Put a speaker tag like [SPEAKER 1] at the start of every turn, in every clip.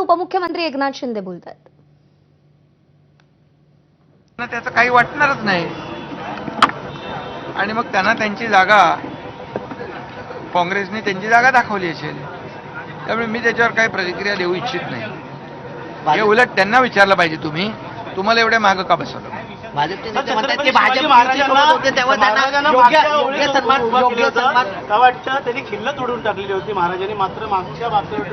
[SPEAKER 1] उपमुख्यमंत्री एकनाथ शिंदे बोलतात.
[SPEAKER 2] त्याचं काही वाटणारच नाही आणि मग त्यांना त्यांची जागा, काँग्रेसने त्यांची जागा दाखवली असेल, त्यामुळे मी त्याच्यावर काही प्रतिक्रिया देऊ इच्छित नाही. हे उलट त्यांना विचारलं पाहिजे, तुम्हाला एवढ्या मागं का बसवलं.
[SPEAKER 3] भाजपचे नेते म्हणतात की भाजप महाराजांना होते तेव्हा त्यांना योग्य सन्मान
[SPEAKER 4] वाटतं त्यांनी खिल्लत उडवून टाकलेली होती महाराजांनी, मात्र मागच्या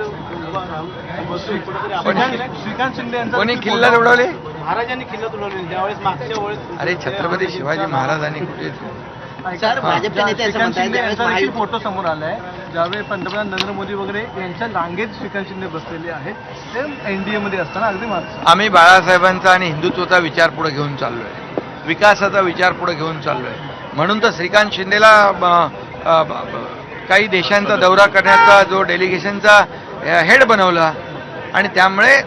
[SPEAKER 4] श्रीकांत शिंदे यांचा
[SPEAKER 2] कोणी खिल्लत उडवले?
[SPEAKER 4] महाराजांनी खिल्लत उडवली ज्यावेळेस मागच्या वेळेस.
[SPEAKER 2] अरे छत्रपती शिवाजी महाराजांनी कुठे?
[SPEAKER 3] सर भाजपचे नेते असं म्हणतात
[SPEAKER 4] फोटो समोर आलाय ज्यावेळी पंतप्रधान नरेंद्र मोदी वगैरे यांच्या रांगेत श्रीकांत शिंदे बसलेले आहेत, ते एनडीए मध्ये असताना अगदी मागचं.
[SPEAKER 2] आम्ही बाळासाहेबांचा आणि हिंदुत्वाचा विचार पुढे घेऊन चाललोय, विकासाचा विचार पुढे घेऊन चाललोय. म्हणून तर श्रीकांत शिंदेला काही देशांचा दौरा करण्याचा जो डेलिगेशनचा हेड बनवला आणि त्यामुळे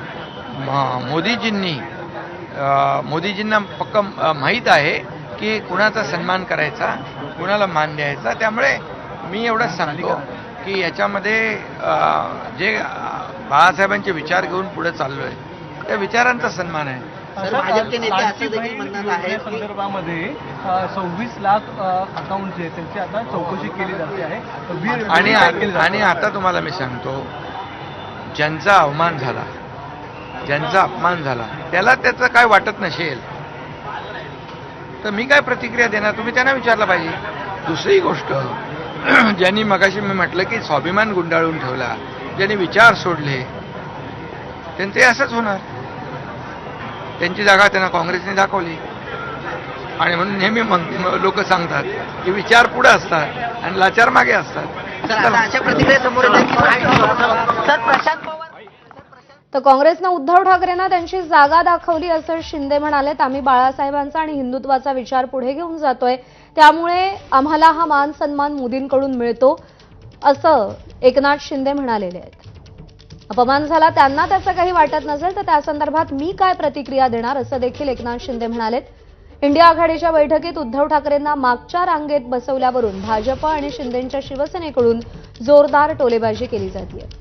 [SPEAKER 2] मोदीजींना पक्क माहीत आहे की कुणाचा सन्मान करायचा, कुणाला मान द्यायचा. त्यामुळे मी एवढंच सांगतो की याच्यामध्ये जे बाळासाहेबांचे विचार घेऊन पुढे चाललोय त्या विचारांचा सन्मान आहे.
[SPEAKER 3] भाजपचे नेते असं देखील म्हणतात आहे
[SPEAKER 4] संदर्भामध्ये 26 लाख अकाउंट जे त्यांची आता चौकशी केली जाते आहे.
[SPEAKER 2] आणि आता तुम्हाला मी सांगतो, ज्यांचा अवमान झाला, ज्यांचा अपमान झाला, त्याला त्याचं काय वाटत नसेल तर मी काय प्रतिक्रिया देणार, तुम्ही त्यांना विचारलं पाहिजे. दुसरी गोष्ट, ज्यांनी मगाशी मी म्हटलं की स्वाभिमान गुंडाळून ठेवला, ज्यांनी विचार सोडले, त्यांचे असंच होणार. त्यांची जागा त्यांना काँग्रेसने दाखवली आणि म्हणून नेहमी लोक सांगतात की विचार पुढे असतात आणि लाचार मागे असतात.
[SPEAKER 3] अशा प्रतिक्रिया समोर येतात. सर प्रशांत पवार
[SPEAKER 1] तर काँग्रेसनं उद्धव ठाकरेंना त्यांची जागा दाखवली असं शिंदे म्हणालेत. आम्ही बाळासाहेबांचा आणि हिंदुत्वाचा विचार पुढे घेऊन जातोय, त्यामुळे आम्हाला हा मान सन्मान मोदींकडून मिळतो असं एकनाथ शिंदे म्हणालेले आहेत. अपमान झाला त्यांना त्याचं काही वाटत नसेल तर त्या संदर्भात मी काय प्रतिक्रिया देणार असं देखील एकनाथ शिंदे म्हणालेत. इंडिया आघाडीच्या बैठकीत उद्धव ठाकरेंना मागच्या रांगेत बसवल्यावरून भाजप आणि शिंदेंच्या शिवसेनेकडून जोरदार टोलेबाजी केली जाते.